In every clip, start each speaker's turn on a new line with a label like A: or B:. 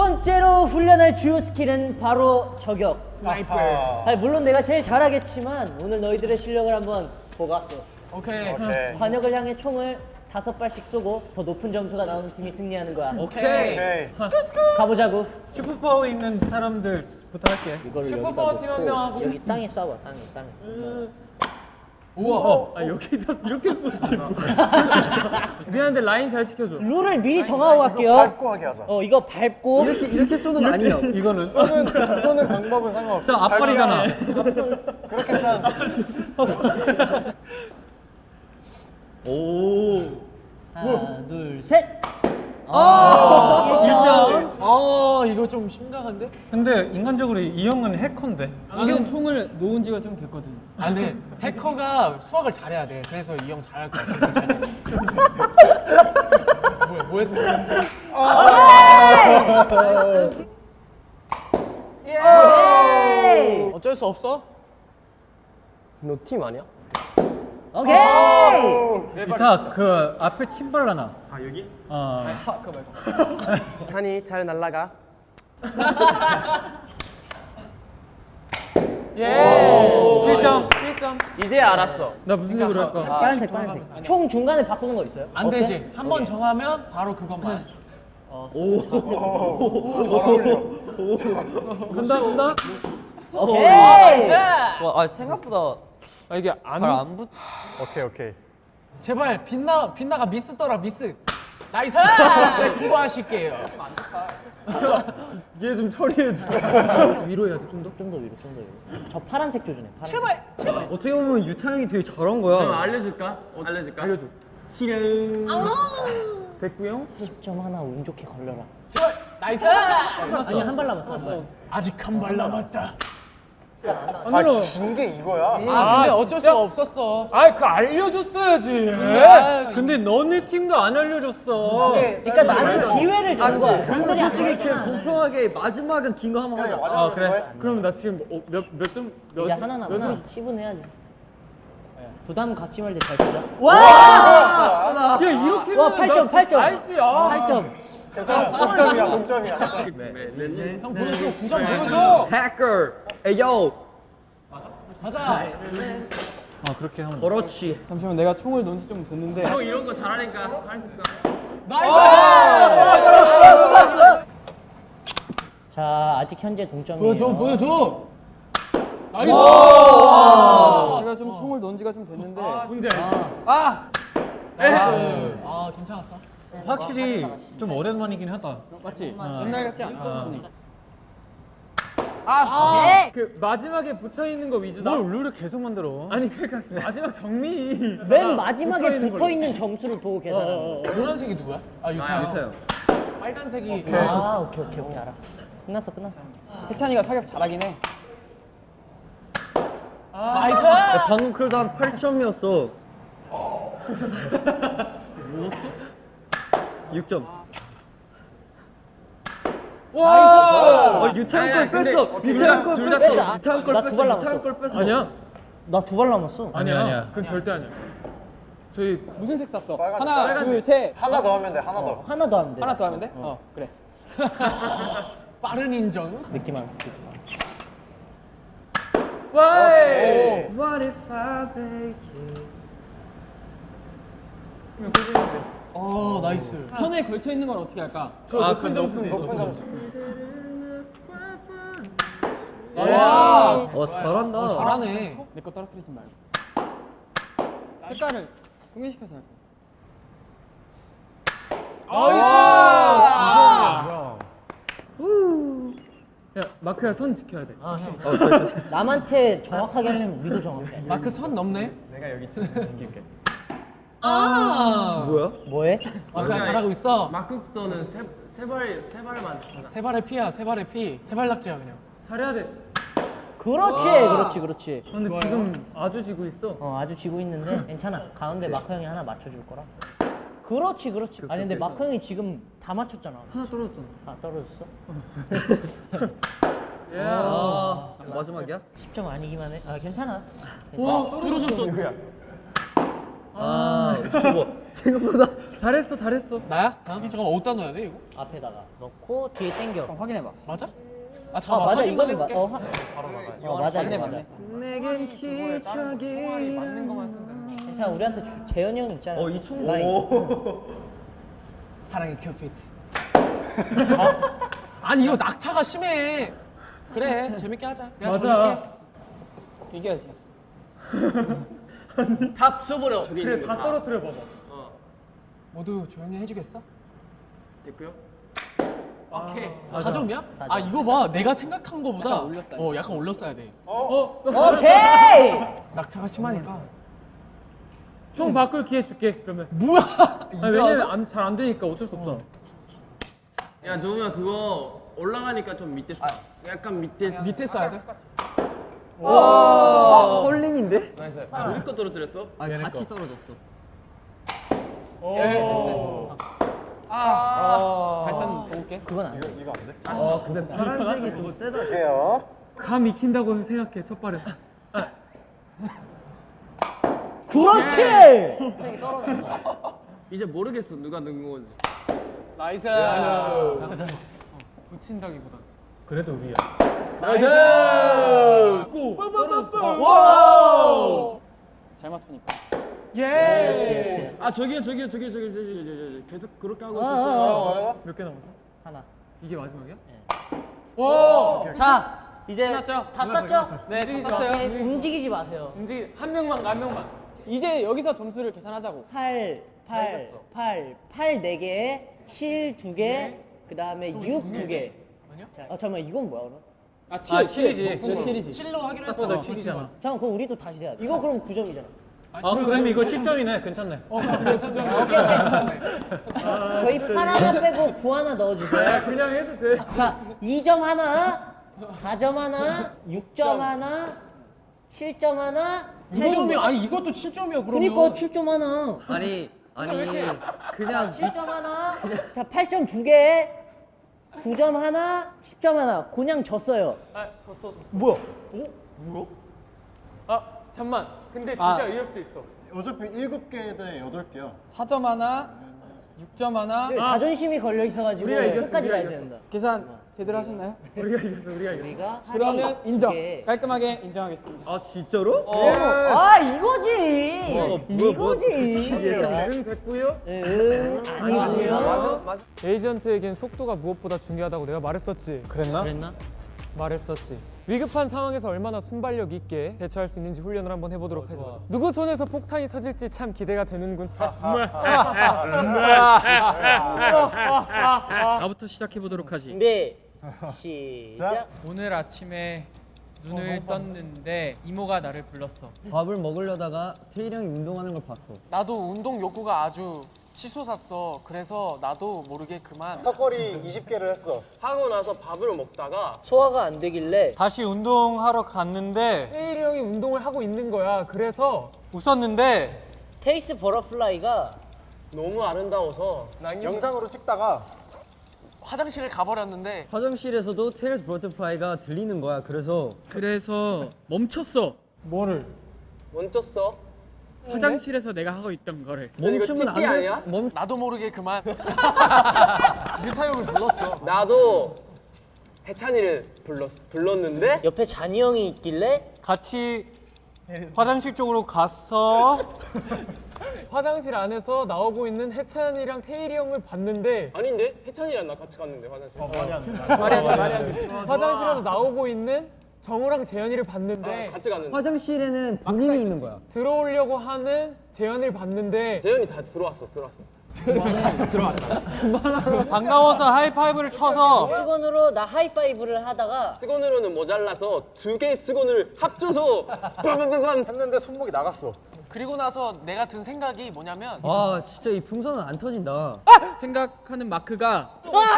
A: 번째로 훈련할 주요 스킬은 바로 저격.
B: 스나이퍼.
A: 아니, 물론 내가 제일 잘하겠지만 오늘 너희들의 실력을 한번 보고 왔어.
B: 오케이.
A: 관역을 향해 총을 5발씩 쏘고 더 높은 점수가 나오는 팀이 승리하는 거야.
B: 오케이.
A: 가보자고.
C: 슈퍼파워 있는 사람들부터 할게.
A: 이거를
B: 슈퍼파워
A: 여기다
B: 팀 한
A: 놓고
B: 명 하고.
A: 여기 땅에 쏴봐. 땅에.
C: 우와. 여기다 이렇게 쏘지.
B: 미안한데 라인 잘 지켜줘.
A: 룰을 미리 정하고 갈게요.
D: 밟고 하게 하자.
A: 이거 밟고
C: 이렇게 쏘는 거 아니에요. 이거는
D: 쏘는 방법은 상관없어.
C: 앞발이잖아.
D: 그렇게 싼.
C: 오.
A: 하나, 둘, 셋.
B: 이거 좀 심각한데?
C: 근데 인간적으로 이 형은 해커인데.
E: 나는 총을 놓은 지가 좀 됐거든.
B: 아 근데 해커가 수학을 잘해야 돼. 그래서 이 형 잘할 것 같아. 뭐 했어? 어쩔 수 없어?
E: 너 팀 아니야?
A: 오케이.
C: 기타 그 앞에 침발라나. 아 여기?
E: 한이 잘 날라가.
B: 예.
C: 7점.
B: 7점.
E: 이제 알았어.
C: 나 무슨 색으로 할까?
A: 파란색. 총 중간에 바꾸는 거 있어요?
B: 안 되지. 한 번 정하면 바로 그것만.
C: 간다.
A: 오케이.
E: 와, 생각보다
B: 이게
E: 안 붙.
D: 오케이.
B: 제발 빛나가 미스 떠라 미스. 나이스! 구하실게요.
C: 얘 좀 처리해줘.
B: 위로 해야 돼 좀 더.
A: 좀 더 위로. 저 파란색 조준해. 파란색.
B: 제발.
E: 어떻게 보면 유타 형이 되게 잘한 거야.
B: 알려줄까? 알려줘.
C: 됐고요.
A: 10점 하나 운 좋게 걸려라.
B: 제발. 나이스!
A: 아니 한 발 남았어.
B: 아직 한 발 남았다.
D: 준게 이거야.
B: 아 근데 어쩔 수가 없었어.
C: 그거 알려줬어야지. 근데 너네 팀도 안 알려줬어.
A: 그러니까 나는 기회를 준 거야. 형들이 안
E: 솔직히 그냥 공평하게 마지막은 긴 거 한번 하자.
C: 그래. 그럼 나 지금 몇 점?
A: 이제 하나 남았어. 10은 해야지. 부담 갖지 말고 잘 치자. 와!
C: 야 이렇게
A: 와 8점.
B: 알지?
A: 8점.
D: 괜찮아. 동점이야.
B: 형 보여줘. 9점 보여줘.
E: 해커. 에요.
B: 가자.
C: 그렇게 하면.
E: 그렇지.
F: 잠시만 내가 총을 놓은 지 좀 됐는데
B: 형 이런 거 잘하니까 할 수 있어. 나이스!
A: 자 아직 현재 동점이에요.
B: 보여줘. 나이스!
F: 제가 좀 총을 놓은 지가 좀 됐는데
B: 문제 알지? 아 괜찮았어.
C: 확실히 좀 오랜만이긴 하다.
F: 맞지? 옛날 같지 않아.
B: 그 마지막에 붙어 있는 거 위주다.
C: 뭘 룰을 계속 만들어?
B: 아니 그러니까 마지막 정리.
A: 맨 마지막에 붙어있는 점수를 보고 계산하는 거.
B: 노란색이 누구야? 아 유타요.
E: 유타요.
B: 빨간색이.
A: 아 오케이 알았어. 끝났어.
F: 해찬이가 사격 잘하긴 해.
B: 나이스!
E: 방금 그래도 한 8점이었어. 6점.
B: 나이스!
E: 유타 형걸 뺐어. 유타 형걸 뺐어.
A: 뺐어.
E: 유타 형걸
A: 나
E: 뺐어.
A: 두발
E: 유타
A: 남았어.
E: 형걸 뺐어.
C: 아니야?
A: 나 2발 남았어.
C: 아니야.
B: 그건 절대 아니야. 저희
F: 무슨 색 샀어?
D: 빨간색.
F: 하나, 둘, 셋.
D: 하나 더 하면 돼. 하나 더.
A: 하나 더 하면 돼.
F: 하나 더 하면 돼? 그래.
B: 빠른 인정.
A: 느낌 알았어.
B: 와이!
E: What if I make you?
B: 나이스.
F: 선에 걸쳐 있는 건 어떻게 할까?
C: 높은 점수.
D: 높은 점수.
E: 잘한다.
B: 잘하네.
F: 내 거 떨어뜨리지 말고. 색깔을 공유시켜서 할 거야.
B: 야 마크야 선 지켜야 돼.
A: 남한테 정확하게 하려면 우리도 정확해.
B: 마크 선 넘네.
E: 뭐야?
A: 뭐해?
B: 마크야 잘하고 있어.
E: 마크부터는 세 발만.
B: 세 발의 피야. 세 발의 피. 세 발 낙지야 그냥. 잘해야 돼.
A: 그렇지.
C: 근데 지금 아주 지고 있어.
A: 아주 지고 있는데 괜찮아. 가운데 마커 형이 하나 맞춰줄 거라. 그렇지. 아니 근데 마커 형이 지금 다 맞췄잖아.
C: 하나 떨어졌잖아.
A: 아 떨어졌어?
E: 마지막이야?
A: 10점 아니기만 해. 괜찮아.
B: 와 떨어졌어.
E: 저거 생각보다
C: 잘했어 잘했어.
B: 나야? 잠깐만 어디다 넣어야 돼 이거?
A: 앞에다가 넣고 뒤에 당겨.
F: 그럼 확인해봐.
B: 맞아?
A: 아
B: 잠깐만
A: 맞아
B: 확인만
A: 이거는
B: 해볼게.
A: 맞아
F: 맞네,
A: 이거
F: 맞네.
A: 맞아.
E: 내겐 기적이
F: 맞는 것만 쓴다는 거.
A: 괜찮아 우리한테 재현이 형 있잖아.
E: 이총
A: 라인.
B: 사랑의 큐피트. 아니 이거 낙차가 심해. 그래 재밌게 하자. 내가
C: 맞아.
F: 이겨야지.
E: 다 부숴버려. 저기
C: 그래
E: 있는
C: 다
E: 거
C: 떨어뜨려 봐봐.
B: 모두 조용히 해주겠어?
E: 됐고요.
B: 오케이. 4점이야? 아 이거 봐. 내가 생각한 거보다
F: 약간 올렸어야 돼.
B: 약간 올렸어야 돼.
A: 오케이.
B: 낙차가 심하니까.
C: 총 바꿀 기회 줄게 그러면.
B: 뭐야?
C: 아니, 왜냐면 잘 안 되니까 어쩔 수 없잖아.
E: 야 정우야 그거 올라가니까 좀 밑에 써. 약간 밑에 써.
B: 밑에 써야 돼?
E: 홀린인데? 우리 거 떨어뜨렸어?
C: 얘네
E: 같이
C: 거.
E: 떨어졌어.
F: 잘 쐈는데. 볼게.
A: 그건 안 돼.
D: 이거 안 돼?
E: 근데 파란색이 좀 세다.
D: 할게요.
C: 감 익힌다고 생각해 첫 발은.
A: 그렇지.
E: 이제 모르겠어 누가 넣은 건지.
F: 나이스.
C: 붙인다기보다. 그래도 우리야.
F: 잘 맞추니까.
A: 예스 예스 예스.
E: 아 저기요 계속 그렇게 하고 있었어요.
D: 뭐라고?
C: 몇 개 남았어?
A: 하나.
C: 이게 마지막이야?
A: 자 이제
F: 끝났죠?
A: 다 썼죠?
F: 네, 다 썼어요.
A: 오케이, 움직이지 마세요.
F: 한 명만 가, 한 명만. 이제 여기서 점수를 계산하자고.
A: 8 4개, 7 2개, 그 다음에 6 2개.
B: 아니야?
A: 자, 잠깐만 이건 뭐야 그럼?
F: 아, 7이지.
B: 저
F: 7이지.
B: 7로 하기로 했어.
C: 나 7이잖아.
A: 잠깐 그럼 우리도 다시 해야 돼. 이거 그럼 9점이잖아.
C: 아 그럼 이거 10점이네. 괜찮네.
A: 저희 8 하나 빼고 9 하나 넣어주세요.
C: 그냥 해도 돼.
A: 자, 2점 하나, 4점 하나, 6점 하나, 7점 하나,
B: 6점이 아니 이것도 7점이야 그러면.
A: 그니까 7점 하나.
E: 아니 그냥
A: 7점 하나, 자 8점 2개, 9점 하나, 10점 하나. 그냥 졌어요.
F: 아, 졌어.
A: 뭐야?
F: 아, 잠만. 근데 진짜 이럴 수도 있어.
D: 어차피 7개 대 8개야.
F: 4점 하나, 6점 하나.
A: 자존심이 걸려 있어가지고
C: 우리가 이겼어,
A: 끝까지
C: 우리가
A: 가야
C: 이겼어.
A: 된다.
F: 계산 제대로 하셨나요?
C: 우리가 이겼어.
A: 우리가
F: 그러면 인정.
A: 게.
F: 깔끔하게 인정하겠습니다.
E: 아 진짜로?
A: 아 이거지. 이거지.
C: 응 됐고요.
A: 아니고요.
C: 에이전트에겐 속도가 무엇보다 중요하다고 내가 말했었지. 그랬나?
A: 그랬나?
C: 말했었지. 위급한 상황에서 얼마나 순발력 있게 대처할 수 있는지 훈련을 한번 해보도록 하자. 누구 손에서 폭탄이 터질지 참 기대가 되는군. 나부터 시작해 보도록 하지.
A: 준비 시작.
G: 오늘 아침에 눈을 떴는데 이모가 나를 불렀어.
E: 밥을 먹으려다가 태일이 형이 운동하는 걸 봤어.
B: 나도 운동 욕구가 아주 치솟았어. 그래서 나도 모르게 그만.
D: 턱걸이 20개를 했어.
E: 하고 나서 밥을 먹다가
A: 소화가 안 되길래
C: 다시 운동하러 갔는데 태일이 형이 운동을 하고 있는 거야. 그래서 웃었는데
A: 테이스 버터플라이가
E: 너무 아름다워서
D: 영상으로 찍다가
B: 화장실을 가버렸는데
E: 화장실에서도 테일스 버터플라이가 들리는 거야. 그래서
G: 멈췄어.
C: 뭐를?
E: 멈췄어.
G: 화장실에서 내가 하고 있던 거를.
E: 멈추면 안 돼.
B: 나도 모르게 그만.
D: 유타 형을 불렀어.
E: 나도 해찬이를 불렀는데
A: 옆에 잔이 형이 있길래
C: 같이 화장실 쪽으로 갔어. 화장실 안에서 나오고 있는 해찬이랑 태일이 형을 봤는데
E: 아닌데 해찬이랑 나 같이 갔는데 화장실.
C: 말이 안 돼. 화장실에서 나오고 있는 정우랑 재현이를 봤는데
E: 같이 갔는데 화장실에는 본인이 있는 거야.
C: 들어오려고 하는 재현이를 봤는데
E: 재현이 다 들어왔어.
C: 반가워서 하이파이브를 쳐서
A: 수건으로 나 하이파이브를 하다가
E: 수건으로는 모자라서 2개의 수건을 합쳐서 빵빵빵빵.
D: 했는데 손목이 나갔어.
B: 그리고 나서 내가 든 생각이 뭐냐면
E: 아 진짜 이 풍선은 안 터진다.
G: 생각하는 마크가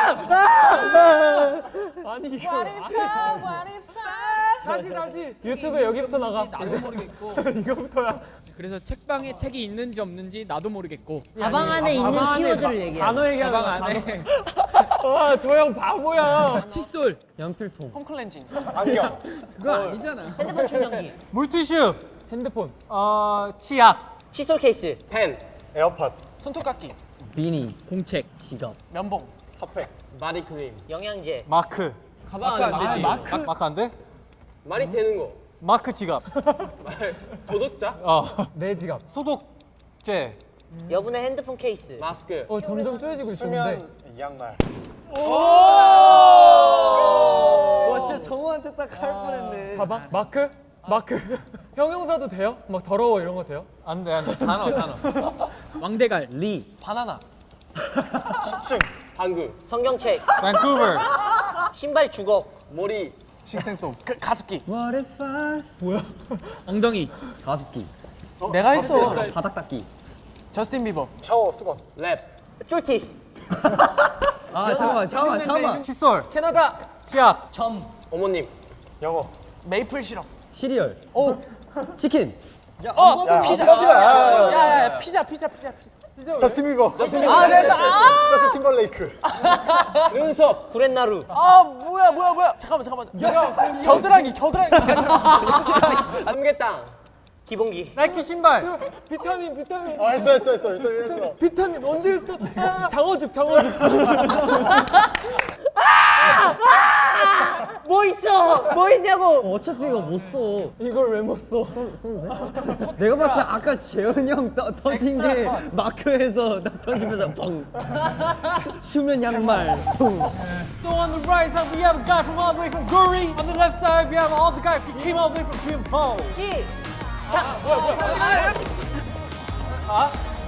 C: 다시 유튜브에 여기부터 나가.
B: 나도 모르겠고.
C: 이거부터야.
G: 그래서 책방에 책이 있는지 없는지 나도 모르겠고.
A: 가방 안에 있는 키워드를 얘기해.
C: 단어 얘기하는
G: 가방
C: 거야.
G: 안에
C: 아저 형 바보야.
G: 칫솔.
E: 연필통.
B: 홈클렌징.
D: 안경.
G: 그거 아니잖아.
A: 핸드폰 충전기,
C: 물티슈. 핸드폰. 치약.
A: 칫솔 케이스,
E: 펜.
D: 에어팟.
B: 손톱깎이.
F: 비니.
G: 공책.
F: 지갑.
B: 면봉.
D: 핫팩.
E: 마리크림.
A: 영양제.
C: 마크.
E: 가방 안 되지.
C: 마크 안 돼?
E: 말이 되는 거.
C: 마크 지갑.
E: 도덕자?
C: 내 지갑. 소독제.
A: 여분의 핸드폰 케이스.
E: 마스크.
C: 점점 쪼여지고 있었는데.
D: 수면 양말.
F: 와 진짜 정우한테 딱 할 뻔했네.
C: 가방? 마크? 형용사도 돼요? 막 더러워 이런 거 돼요? 안 돼. 단어.
G: 왕대갈.
F: 리.
B: 바나나.
D: 10층.
E: 방구.
A: 성경책.
C: 밴쿠버.
A: 신발 주걱.
E: 머리.
D: 식생송.
B: 가습기.
F: What if I?
G: 엉덩이.
F: 가습기.
B: 내가 했어.
F: 바닥 닦기.
B: 저스틴 비버.
D: 샤워 수건.
E: 랩.
A: 쫄티.
F: 아 잠깐만.
C: 칫솔.
B: 캐나다.
C: 치약.
E: 어머님.
D: 영어.
B: 메이플 시럽.
F: 시리얼. 오. 치킨.
D: 야,
B: 피자.
D: 안 빠지마.
B: 야야 피자.
D: 저스틴 비버. 저스틴 팀벌레이크.
E: 눈썹.
A: 구렛나루.
B: 아 뭐야. 잠깐만. 겨드랑이.
E: 삼계탕.
A: 기본기.
C: 나이키 신발. 비타민.
D: 했어. 일단 했어.
C: 비타민 언제 했어? 장어즙.
A: 뭐 있어? 뭐 있냐고.
F: 어차피 이거 못 써.
C: 이걸 왜 못 써?
F: 내가 봤을 때 아까 재현이 형 터진 게 마크에서 나 편집해서 뻥. 수면 양말. 뻥.
C: So on the right side we have a guy from all the way from Guri. On the left side we have all the guy who came all the way from Gimpo.
A: 시.
C: 아?